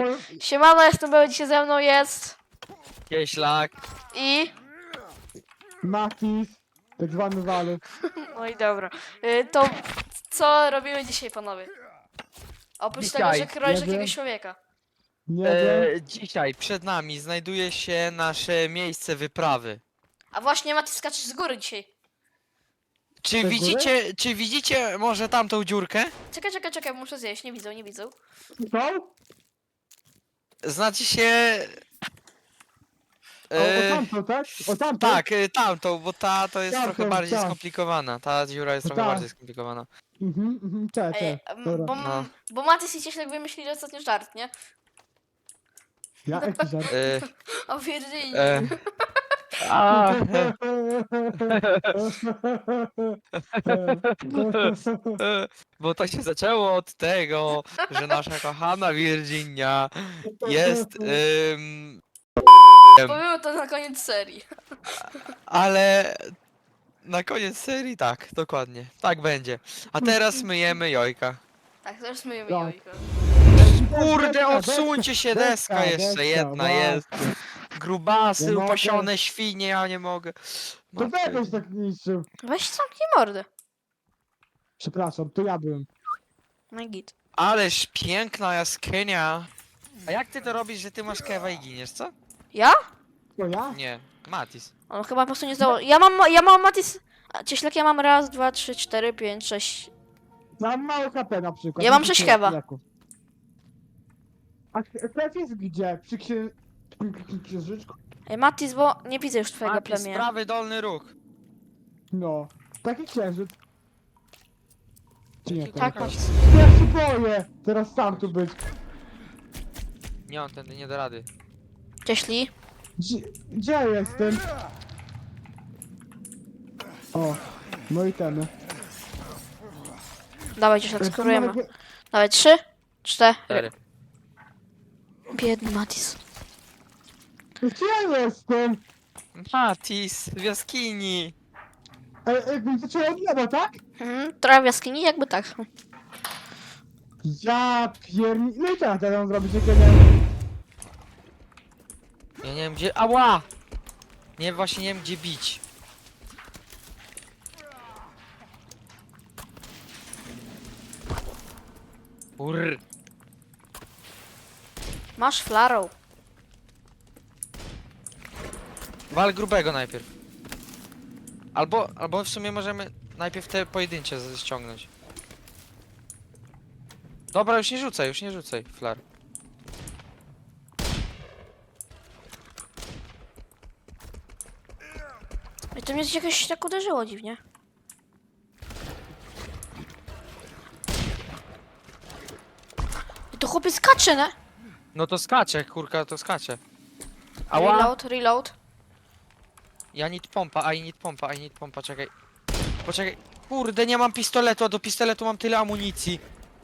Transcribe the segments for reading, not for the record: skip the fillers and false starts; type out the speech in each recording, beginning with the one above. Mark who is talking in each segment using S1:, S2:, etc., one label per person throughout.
S1: Siemano, jestem Beły, dzisiaj ze mną jest
S2: Kieślak.
S1: i...
S3: Matis, tak zwany walec.
S1: No i dobra. To co robimy dzisiaj, panowie? Oprócz tego, że
S2: Dzisiaj
S1: kroisz
S3: jedzie.
S1: jakiegoś człowieka.
S3: Nie wiem.
S2: Dzisiaj przed nami znajduje się nasze miejsce wyprawy.
S1: A właśnie, Mati, skaczesz z góry dzisiaj.
S2: Czy
S3: góry?
S2: widzicie może tamtą dziurkę?
S1: Czekaj, muszę zjeść, nie widzą, nie widzą.
S3: Co?
S2: Znaczy się...
S3: O tamto, tak? O tamto?
S2: tak, tamtą, bo ta to jest
S3: Tamtą,
S2: trochę bardziej
S3: tak.
S2: skomplikowana. Ta dziura jest trochę
S3: Tak.
S2: bardziej skomplikowana.
S1: Ej,
S3: Dobra.
S1: bo, bo Matis i Cieślak wymyślili ostatnio żart, nie?
S3: Ja jaki żart?
S1: O Virginii.
S2: A, bo to się zaczęło od tego, że nasza kochana Virginia jest...
S1: Powiemy to na koniec serii.
S2: Ale na koniec serii tak, dokładnie. Tak będzie. A teraz myjemy jojka.
S1: Tak, teraz myjemy
S3: Tak.
S1: jajko.
S2: Kurde, odsuńcie się, deska jeszcze jedna jest. Grubasy,
S3: Nie mogę.
S2: upasione świnie, ja nie mogę.
S3: To
S2: Matko,
S3: jakoś tak niszczył.
S1: Weź zamknij mordę.
S3: Przepraszam, to ja byłem.
S1: No i git.
S2: Ależ piękna jaskinia. A jak ty to robisz, że ty masz kewa i giniesz, co?
S1: Ja?
S3: To ja?
S2: Nie, Matis.
S1: On chyba po prostu nie zdało. Ja mam Matis... A, Cieślak, ja mam raz, dwa, trzy, cztery, pięć, sześć...
S3: Mam mało KP na przykład.
S1: Ja mam
S3: Widzicie,
S1: 6 kewa.
S3: jaków. A krew jest gdzie? Przy księżyczku?
S1: Ej, Matis, bo nie widzę już twojego
S2: Matis,
S1: plemienia.
S2: prawy dolny róg.
S3: No. Taki księżyc. Czy nie?
S1: Tak,
S3: to
S1: Matis.
S3: Ja się boję! Teraz sam tu być.
S2: Nie, on tędy nie da rady.
S1: Cieśli.
S3: Gdzie ja jestem? O, no i ten.
S1: Dawaj, Cieślak, skorujemy. Dawaj, 3, 4.
S2: 4.
S1: Biedny Matis.
S3: Gdzie ja jestem?
S2: Matis, w jaskini.
S3: Jakbym zaczął od nieba, tak?
S1: Trochę w jaskini, jakby tak.
S3: Ja pierni... No i teraz ja mam zrobić, jak ja nie wiem.
S2: Ja nie wiem gdzie... Ała! Nie, właśnie nie wiem gdzie bić. Urr.
S1: Masz flarą.
S2: Wal grubego najpierw. Albo w sumie możemy najpierw te pojedyncze ściągnąć. Dobra, już nie rzucaj, flar.
S1: I to mnie jakoś tak uderzyło dziwnie. I to chłopiec skacze, ne?
S2: No to skacze, kurka, to skacze. Ała!
S1: Reload.
S2: Ja need pompa, I need pompa, czekaj. Poczekaj. Kurde, nie mam pistoletu, a do pistoletu mam tyle amunicji.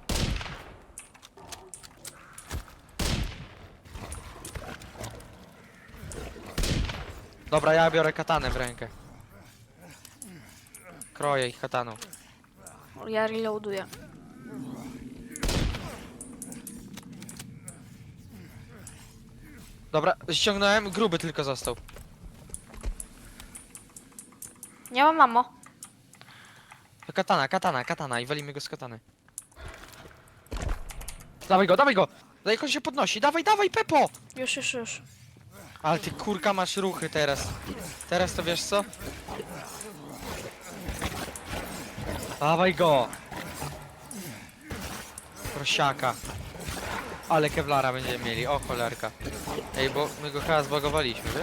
S2: Dobra, ja biorę katanę w rękę. Kroję ich kataną.
S1: Ja reloaduję.
S2: Dobra, ściągnąłem, gruby tylko został.
S1: Nie mam mamo.
S2: To katana i walimy go z katany. Dawaj go, dawaj go! Jak on się podnosi, dawaj, Pepo!
S1: Już.
S2: Ale ty kurka masz ruchy teraz. Teraz to wiesz co? Dawaj go! Prosiaka. Ale kevlara będziemy mieli, o cholerka. Ej, bo my go chyba zbagowaliśmy, wiesz?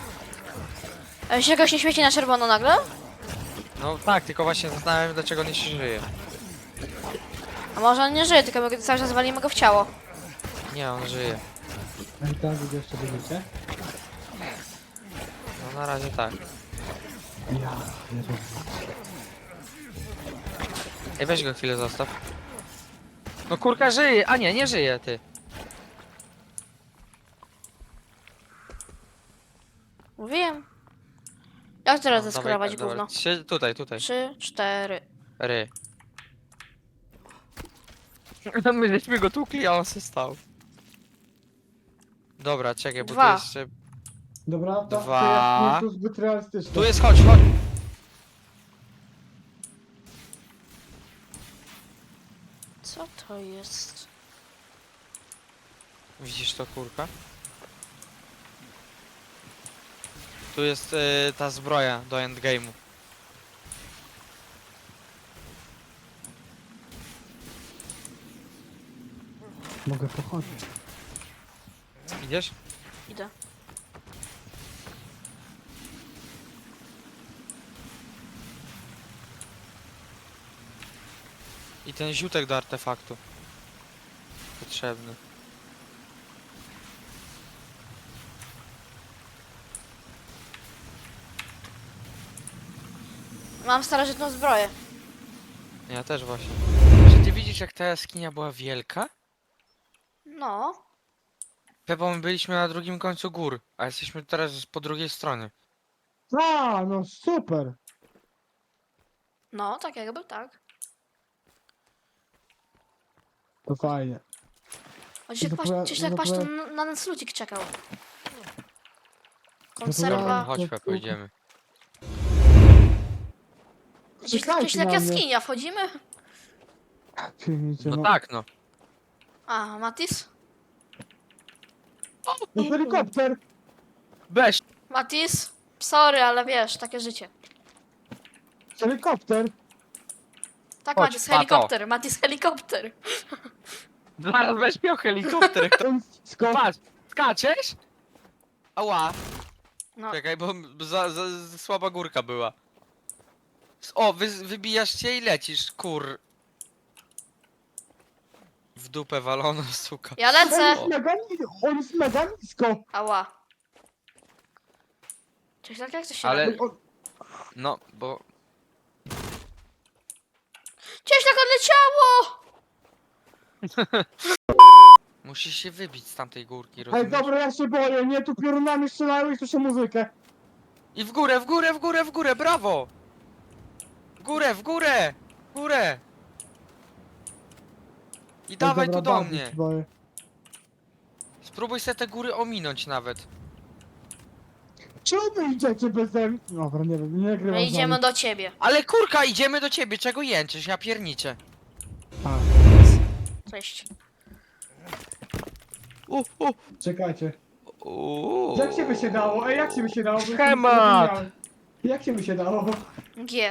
S1: A się jakoś nie świeci na czerwono nagle?
S2: No tak, tylko właśnie zastanawiam się dlaczego on nie się żyje.
S1: A może on nie żyje, tylko my cały czas walimy go w ciało.
S2: Nie, on żyje.
S3: A i tam gdzie jeszcze będziecie?
S2: No na razie tak.
S3: Ja, Jezu.
S2: Ej, weź go chwilę zostaw. No kurka żyje, a nie żyje ty.
S1: Mówiłem. Jak teraz
S2: No,
S1: zeskorować
S2: dawaj,
S1: gówno?
S2: dobra. Tutaj.
S1: 3, 4.
S2: Ry. My żeśmy go tukli, a on się stał. Dobra, czekaj, bo
S1: Dwa.
S2: tu jeszcze...
S3: Dobra, to
S2: Dwa.
S3: jest to zbyt realistyczne.
S2: Tu jest, chodź, chodź!
S1: Co to jest?
S2: Widzisz to, kurka? Tu jest ta zbroja do endgame'u.
S3: Mogę pochodzić.
S2: Idziesz?
S1: Idę.
S2: I ten ziutek do artefaktu. Potrzebny.
S1: Mam starożytną zbroję.
S2: Ja też właśnie. Czy ty widzisz, jak ta jaskinia była wielka?
S1: No.
S2: Pepo, my byliśmy na drugim końcu gór, a jesteśmy teraz po drugiej stronie.
S3: A, no super.
S1: No, tak jakby tak.
S3: To fajnie.
S1: Gdzieś tak
S3: no
S1: patrz,
S3: to-
S1: to na nas ludzik czekał.
S3: ja-
S1: Konserwa.
S2: Chodź,
S3: to-
S2: Pepo, idziemy.
S1: Gdzieś
S3: Czekajcie
S1: jak
S3: na mnie.
S1: jaskinia, wchodzimy?
S3: Przyjmijcie,
S2: No
S3: no.
S2: tak, no.
S1: A, Matis?
S3: No helikopter!
S2: Weź!
S1: Matis? Sorry, ale wiesz, takie życie.
S3: Helikopter!
S1: Tak,
S2: Chodź,
S1: Matis,
S2: pato.
S1: helikopter, Matis, helikopter.
S2: Zaraz weź miał helikopter. Patrz, skaczesz? Ała.
S1: No,
S2: Czekaj, bo za słaba górka była. O, wybijasz się i lecisz, kur... W dupę walono, suka.
S1: ja lecę.
S3: On jest mega nisko!
S1: Ała. Cześć, tak jak to się
S2: Ale-
S1: robi?
S2: No, bo...
S1: Cześć, tak odleciało!
S2: Musisz się wybić z tamtej górki,
S3: Ej,
S2: rozumiesz?
S3: dobra, ja się boję, nie, tu piorunami strzelają i słyszę muzykę.
S2: I w górę, w górę, w górę, w górę, brawo! W górę, w górę! W górę! I
S3: Ej,
S2: dawaj
S3: dobra,
S2: tu do
S3: bardzo
S2: mnie.
S3: się boję.
S2: Spróbuj sobie te góry ominąć nawet.
S3: Czemu wy idziecie bez mnie? Dobra, nie wiem, nie nagrywam
S1: My
S3: z
S1: idziemy
S3: wami.
S1: do ciebie.
S2: Ale kurka, idziemy do ciebie, czego jęczysz? Ja pierniczę.
S3: A,
S1: Cześć.
S3: czekajcie. Jak się by się dało? Ej, jak się by się dało? Bo jestem
S2: Schemat!
S3: zapomniałem. Jak się by się dało?
S1: G.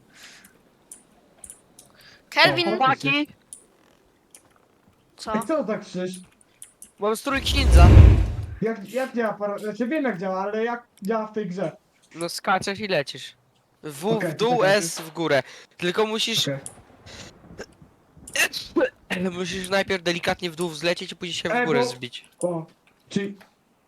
S1: Kelvin,
S2: Chłopaki!
S1: co?
S3: Ej, co tak krzyż?
S2: Mam strój księdza.
S3: Jak działa para... Znaczy wiem jak działa, ale jak działa w tej grze?
S2: No skaczesz i lecisz. W
S3: Okej,
S2: w dół,
S3: czekaj.
S2: S w górę. Tylko musisz...
S3: Okej.
S2: Musisz najpierw delikatnie w dół zlecieć i później się w
S3: Ej,
S2: górę
S3: bo-
S2: zbić.
S3: O, czyli...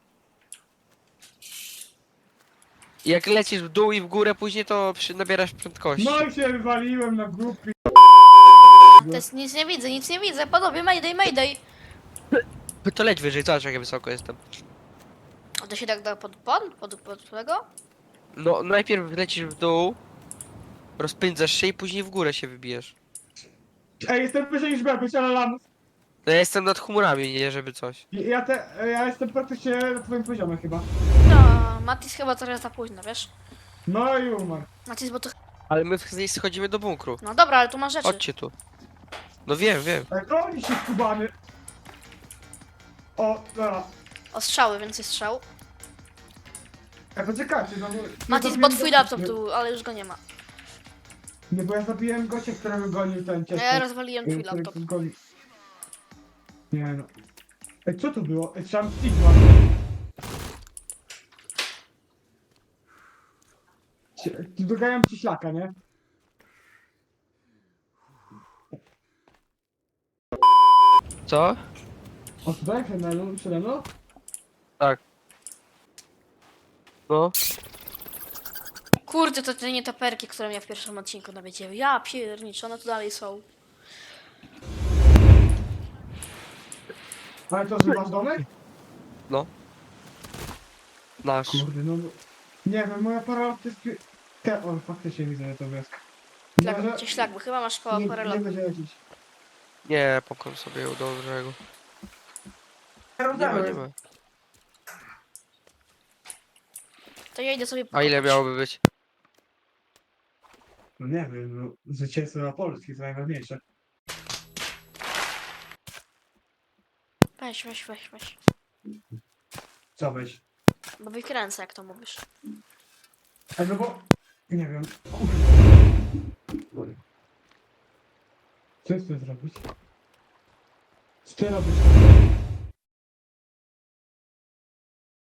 S2: Jak lecisz w dół i w górę później, to nabierasz prędkości.
S3: No i się wywaliłem na głupi.
S1: To jest, nic nie widzę. Panowie, mayday, mayday.
S2: To leć wyżej, zobacz jak ja wysoko jestem.
S1: A to się tak da pod tego?
S2: No, najpierw lecisz w dół, rozpędzasz się i później w górę się wybijesz.
S3: Ej, jestem wyżej niż Bebek, ale lamus.
S2: No ja jestem nad chmurami, nie żeby coś.
S3: Ja jestem praktycznie na twoim poziomie chyba.
S1: No, Matis chyba trochę za późno, wiesz?
S3: No i umarł.
S1: Matis, bo to...
S2: Ale my schodzimy do bunkru.
S1: No dobra, ale tu masz rzeczy.
S2: Chodźcie tu. No wiem, wiem.
S3: Ej, broni się skubany. O, dobra.
S1: O, strzały, więcej strzał.
S3: Ej, poczekajcie, no bo...
S1: Matis,
S3: ja
S1: bo
S3: zabiłem
S1: twój
S3: gościa,
S1: laptop tu, ale już go nie ma.
S3: Nie, bo ja zabiłem gościa, którego gonił ten
S1: No
S3: ciężko.
S1: ja rozwaliłem twój
S3: Który
S1: laptop.
S3: gonił. Nie no. Ej, co tu było? Ej, trzeba Stigma. Doganiam ci szlaka, nie?
S2: Co?
S3: O, tutaj przede mną?
S2: No.
S1: Kurde, to te nietoperki, które mnie w pierwszym odcinku nawiedziły. Ja pierniczę, one tu dalej są.
S3: Ale to, że masz domek?
S2: Nasz.
S3: Kurde, no bo... Nie wiem, moja para to jest... O, faktycznie widzę, że to wioska.
S1: Szlak,
S3: Może-
S1: gdzie szlak, bo chyba masz koło
S3: nie,
S1: parę
S3: nie
S1: lat.
S3: będzie jakiś...
S2: Nie, pokon sobie ją do brzegu. Nie ma, nie ma.
S1: To ja idę sobie
S2: A ile
S1: pokopać.
S2: miałoby być?
S3: No nie wiem, no, zwycięstwo na Polski jest najważniejsze.
S1: Weź.
S3: Co weź?
S1: Bo wykręcę, jak to mówisz.
S3: No bo... Nie wiem. Kurde. Co chcesz zrobić? Co ty robisz?